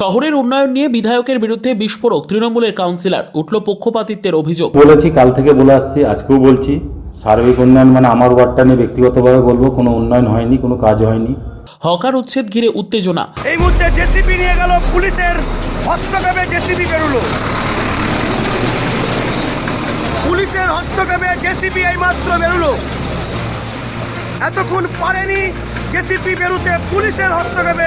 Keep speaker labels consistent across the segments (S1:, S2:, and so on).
S1: শহরের উন্নয়ন নিয়ে বিধায়কের বিরুদ্ধে বিস্ফোরক তৃণমূলের কাউন্সিলর, উঠল পক্ষপাতিত্বের অভিযোগ।
S2: বলেছি, কাল থেকে বলে আসছি, আজকেও বলছি, সার্বিক উন্নয়ন মানে আমার ওয়ার্ডটা নিয়ে ব্যক্তিগতভাবে বলবো, কোনো উন্নয়ন হয়নি, কোনো কাজ হয়নি।
S1: হকার উচ্ছেদ ঘিরে উত্তেজনা।
S3: এই মুহূর্তে জেসিবি নিয়ে গেল, পুলিশের হস্তক্ষেপে জেসিবি বেরোলো, পুলিশের হস্তক্ষেপে জেসিবি এই মাত্র বেরোলো। এতক্ষণ পারেনি জেসিবি বেরোতে, পুলিশের হস্তক্ষেপে।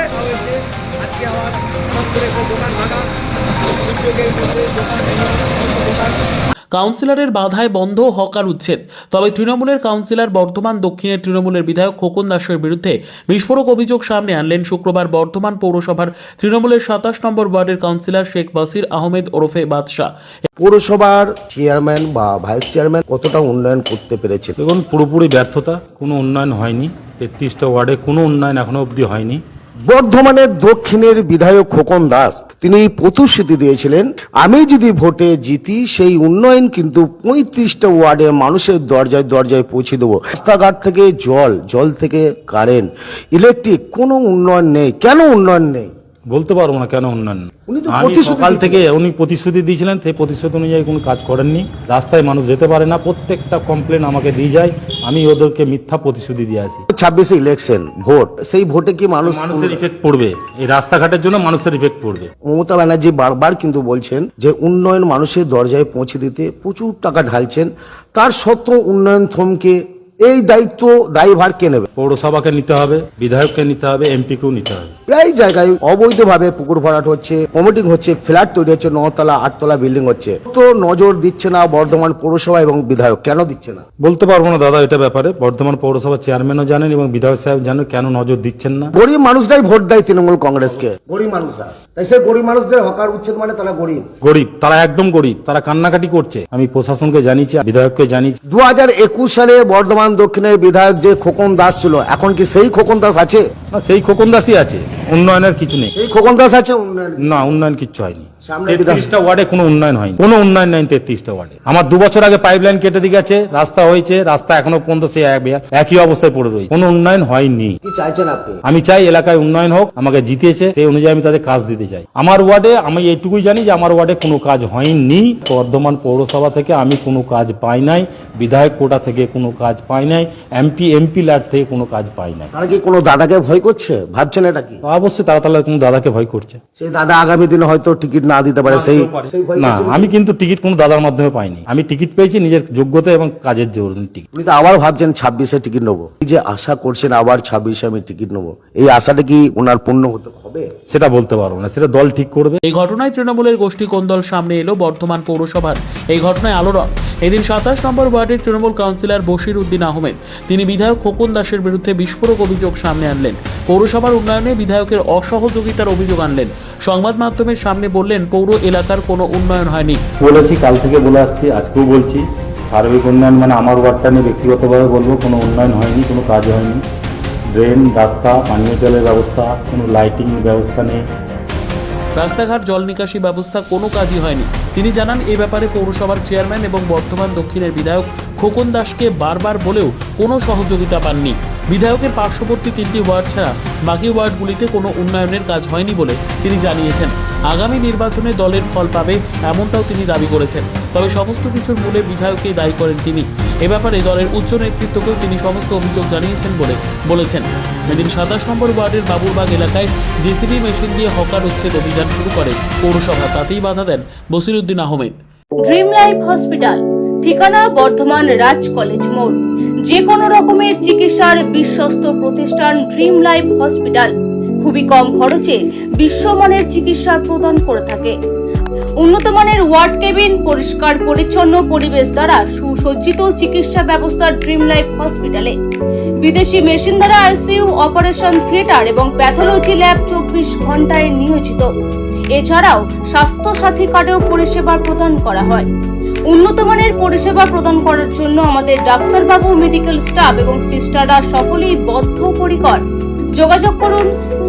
S1: কাউন্সিলরের বাধায় বন্ধ হকার উচ্ছেদ। তবে তৃণমূলের কাউন্সিলর বর্ধমান দক্ষিণের তৃণমূলের বিধায়ক খোকন দাসের বিরুদ্ধে বিস্ফোরক অভিযোগ সামনে আনলেন শুক্রবার বর্ধমান পৌরসভার তৃণমূলের 27 নম্বর ওয়ার্ডের কাউন্সিলর শেখ বাসির আহমেদ ওরফে বাদশাহ।
S4: পৌরসভার চেয়ারম্যান বা ভাইস চেয়ারম্যান কতটা উন্নয়ন করতে পেরেছে?
S2: দেখুন, পুরোপুরি ব্যর্থতা, কোনো উন্নয়ন হয়নি। 33টা ওয়ার্ডে কোনো উন্নয়ন এখনো অবধি হয়নি।
S4: বর্ধমানের দক্ষিণের বিধায়ক খোকন দাস তিনি প্রতিশ্রুতি দিয়েছিলেন, আমি যদি ভোটে জিতি সেই উন্নয়ন কিন্তু 35টা ওয়ার্ডে মানুষের দরজায় দরজায় পৌঁছে দেবো। রাস্তাঘাট থেকে জল থেকে কারেন্ট, ইলেকট্রিক, কোনো উন্নয়ন নেই। কেন উন্নয়ন নেই
S2: বলতে পারবো না কেন উন্নয়ন।
S4: উনি তো
S2: আমি সকাল থেকে উনি প্রতিশ্রুতি দিয়েছিলেন, সেই প্রতিশ্রুতি অনুযায়ী কোনো কাজ করেননি। রাস্তায় মানুষ যেতে পারে না, প্রত্যেকটা কমপ্লেন আমাকে দিয়ে যায়, আমি ওদেরকে মিথ্যা প্রতিশ্রুতি দিয়ে আসি।
S4: 26 ইলেকশন ভোট, সেই ভোটে কি
S2: মানুষের ইফেক্ট পড়বে, এই রাস্তাঘাটের জন্য মানুষের ইফেক্ট পড়বে।
S4: মমতা ব্যানার্জি বারবার কিন্তু বলছেন যে উন্নয়ন মানুষের দরজায় পৌঁছে দিতে প্রচুর টাকা ঢালছেন, তার সত্ত্বেও উন্নয়ন থমকে। এই দায়ভার কে নেবে?
S2: পৌরসভাকে নিতে হবে, বিধায়ককে নিতে হবে, এমপিকেও নিতে হবে।
S4: প্রায় জায়গায় অবৈধভাবে পুকুর ভরাট হচ্ছে, কমিটিং হচ্ছে, ফ্ল্যাট তৈরি হচ্ছে, 9তলা 8তলা বিল্ডিং হচ্ছে। তো নজর দিচ্ছে না বর্ধমান পৌরসভা এবং বিধায়ক, কেন দিচ্ছে না
S2: বলতে পারবো না দাদা এটা ব্যাপারে। বর্ধমান পৌরসভা চেয়ারম্যানও জানেন এবং বিধায়ক সাহেব জানেন কেন নজর দিচ্ছেন না।
S4: গরিব মানুষরাই ভোট দেয় তৃণমূল কংগ্রেসকে, গরিব মানুষরা। তাই সে গরিব মানুষদের হকার উচ্ছেদ মানে তারা গরিব,
S2: তারা একদম গরিব, তারা কান্নাকাটি করছে। আমি প্রশাসনকে জানিয়েছি, বিধায়ককে জানিয়েছি।
S4: 2021 সালে বর্ধমান দক্ষিণের বিধায়ক যে খোকন দাস ছিল, এখন কি সেই খোকন দাস আছে?
S2: না, সেই খোকন দাসই আছে, উন্নয়নের কিছু নেই।
S4: এই খোকন দাস আছে, উন্নয়ন
S2: না, উন্নয়ন কিচ্ছু হয়নি।
S4: সামনে
S2: 33টা ওয়ার্ডে কোনো উন্নয়ন হয়নি, কোনো উন্নয়ন নেই 33টা ওয়ার্ডে। আমার 2 বছর আগে পাইপলাইন কেটে দিয়ে গেছে, রাস্তা হয়েছে, রাস্তা এখনো পর্যন্ত সেই একই অবস্থায় পড়ে রয়েছে, কোনো উন্নয়ন হয়নি।
S4: কি চাইছেন আপনি?
S2: আমি চাই এলাকায় উন্নয়ন হোক, আমাকে জিতিয়েছে, সেই অনুযায়ী আমি তাদের কাজ দিতে চাই। আমার ওয়ার্ডে আমি এইটুকুই জানি যে আমার ওয়ার্ডে কোনো কাজ হয়নি। বর্ধমান পৌরসভা থেকে আমি কোনো কাজ পাই নাই, বিধায়ক কোটা থেকে কোনো কাজ পাই নাই, এমপি ল্যাড থেকে কোনো কাজ পাই নাই।
S4: তারা কি কোনো দাদাকে ভয় করছে? ভাবছেন এটা কি?
S2: অবশ্যই তারা তাহলে কোনো দাদাকে ভয় করছে।
S4: সেই দাদা আগামী দিনে হয়তো টিকিট না দিতে পারে, সেই
S2: না, আমি কিন্তু টিকিট কোনো দাদার মাধ্যমে পাইনি। আমি টিকিট পেয়েছি নিজের যোগ্যতা এবং কাজের জন্য টিকিট।
S4: উনি তো আবার ভাবছেন 26-এ টিকিট নেবো। এই যে আশা করছেন আবার 26-এ আমি টিকিট নেবো, এই আশাটা কি ওনার পূর্ণ হতে হবে?
S2: সেটা বলতে পারবো না, সেটা দল ঠিক করবে।
S1: এই ঘটনায় তৃণমূলের গোষ্ঠী কোন্দল সামনে এলো বর্ধমান পৌরসভার। এই ঘটনায় আলোড়ন। এদিন 27 নম্বর ওয়ার্ডের তৃণমূল কাউন্সিলর বশির উদ্দিন আহমেদ তিনি বিধায়ক খোকন দাসের বিরুদ্ধে বিস্ফোরক অভিযোগ সামনে আনলেন। পৌরসভার উন্নয়নে বিধায়কের অসহযোগিতার অভিযোগ আনলেন। সংবাদ মাধ্যমের সামনে বললেন, পৌর এলাকার কোনো উন্নয়ন হয়নি।
S2: বলেছি, কাল থেকে বলে আসছি, আজকেও বলছি, সার্বিক উন্নয়ন মানে আমার ওয়ার্ডটা নিয়ে ব্যক্তিগতভাবে বলবো, কোনো উন্নয়ন হয়নি, কোনো কাজ হয়নি। ড্রেন, রাস্তা, পানীয় জলের ব্যবস্থা, কোনো লাইটিং ব্যবস্থা নেই।
S1: রাস্তাঘাট, জল নিকাশি ব্যবস্থা কোনো কাজই হয়নি। তিনি জানান, এই ব্যাপারে পৌরসভার চেয়ারম্যান এবং বর্ধমান দক্ষিণের বিধায়ক খোকন দাসকে বারবার বলেও কোনো সহযোগিতা পাননি। বিধায়কের পার্শ্ববর্তী 3টি ওয়ার্ড ছাড়া বাকি ওয়ার্ডগুলিতে কোনো উন্নয়নের কাজ হয়নি বলে তিনি জানিয়েছেন। আগামী নির্বাচনে দলের ফল পাবে এমনটাও তিনি দাবি করেছেন। তবে সমস্ত কিছুর মূলে বিধায়ককে দায়ী করেন তিনি। এ ব্যাপারে দলের উচ্চ নেতৃত্বকেও তিনি সমস্ত অভিযোগ জানিয়েছেন বলে বলেছেন। এদিন 27 নম্বর ওয়ার্ডের বাবুরবাগ এলাকায় জেসিবি মেশিন দিয়ে হকার উচ্ছেদ অভিযান শুরু করে পৌরসভা। তাতেই বাধা দেন Bashir Uddin Ahmed.
S5: Dream life hospital, ঠিকানা বর্ধমান রাজ কলেজ মোড়। যে কোনো রকমের চিকিৎসার বিশ্বস্ত প্রতিষ্ঠান ড্রিম লাইফ হসপিটাল খুবই কম খরচে বিশ্বমানের চিকিৎসা প্রদান করে থাকে। উন্নত মানের ওয়ার্ড কেবিন, পরিষ্কার পরিচ্ছন্ন পরিবেশ দ্বারা সুসজ্জিত চিকিৎসা ব্যবস্থা ড্রিম লাইফ হসপিটালে। বিদেশি মেশিন দ্বারা আইসিইউ, অপারেশন থিয়েটার এবং প্যাথোলজি ল্যাব 24 ঘন্টায় নিয়োজিত। এছাড়াও স্বাস্থ্য সাথী কার্ডেও পরিষেবা প্রদান করা হয়। উন্নত মানের পরিষেবা প্রদান করার জন্য আমাদের ডাক্তারবাবু, মেডিকেল স্টাফ এবং সিস্টাররা সকলেই বদ্ধপরিকর। যোগাযোগ করুন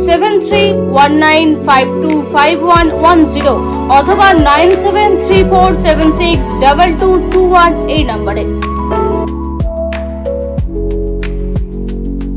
S5: 7319525110 অথবা 9734762221 এই নম্বরে।